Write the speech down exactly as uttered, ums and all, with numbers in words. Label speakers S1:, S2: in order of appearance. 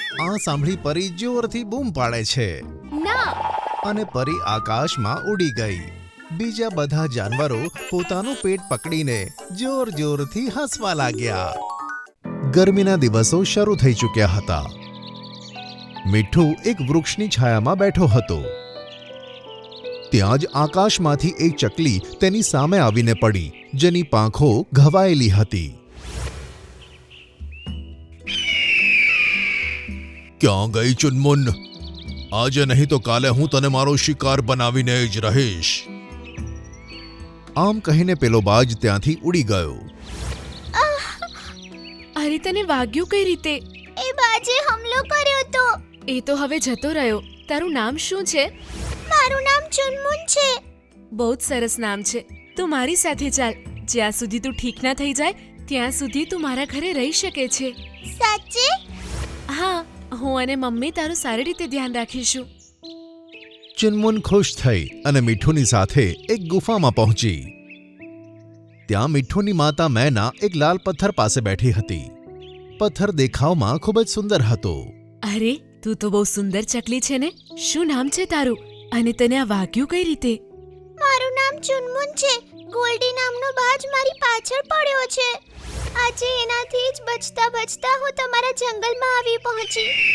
S1: આ સાંભળી પરી જોરથી બૂમ પાડે છે
S2: ના.
S1: અને પરી આકાશમાં ઉડી ગઈ. બીજા બધા જાનવરો પોતાનું પેટ પકડીને જોર જોરથી હસવા લાગ્યા. ગરમીના દિવસો શરૂ થઈ ચૂક્યા હતા. મીઠું એક વૃક્ષની છાયામાં બેઠો હતો. ત્યાં જ આકાશમાંથી એક ચકલી તેની સામે આવીને પડી, જેની પાંખો ઘવાયેલી હતી. ક્યાં ગઈ ચુનમુન? આજે નહીં તો કાલે હું તને મારો શિકાર બનાવીને જ રહીશ. આમ કહીને પેલો બાજ ત્યાંથી ઉડી ગયો.
S2: અરે તને વાગ્યું કઈ રીતે?
S3: એ બાજે હુમલો કર્યો તો.
S2: એ તો હવે જતો રહ્યો. તારું નામ શું છે?
S3: મારું નામ ચુનમુન છે.
S2: બહુ જ સરસ નામ છે. તું મારી સાથે ચાલ. જ્યાં સુધી તું ઠીક ના થઈ જાય ત્યાં સુધી તું મારા ઘરે રહી શકે છે.
S3: સાચે?
S2: હા, હું અને મમ્મી તારું સારી રીતે ધ્યાન રાખીશું.
S1: ચુનમુન ખુશ થઈ અને મીઠુની સાથે એક ગુફામાં પહોંચી. ત્યાં મીઠુની માતા મેના એક લાલ પથ્થર પાસે બેઠી હતી. પથ્થર દેખાવમાં ખૂબ જ સુંદર હતો.
S2: અરે, તું તો બહુ સુંદર ચકલી છે ને. શું નામ છે તારું? અને તને આ વાગ્યું કઈ રીતે?
S3: મારું નામ ચુનમુન છે. ગોલ્ડી નામનો બાજ મારી પાછળ પડ્યો છે. આજે એનાથી જ બચતા બચતા હું તમારા જંગલમાં આવી પહોંચી.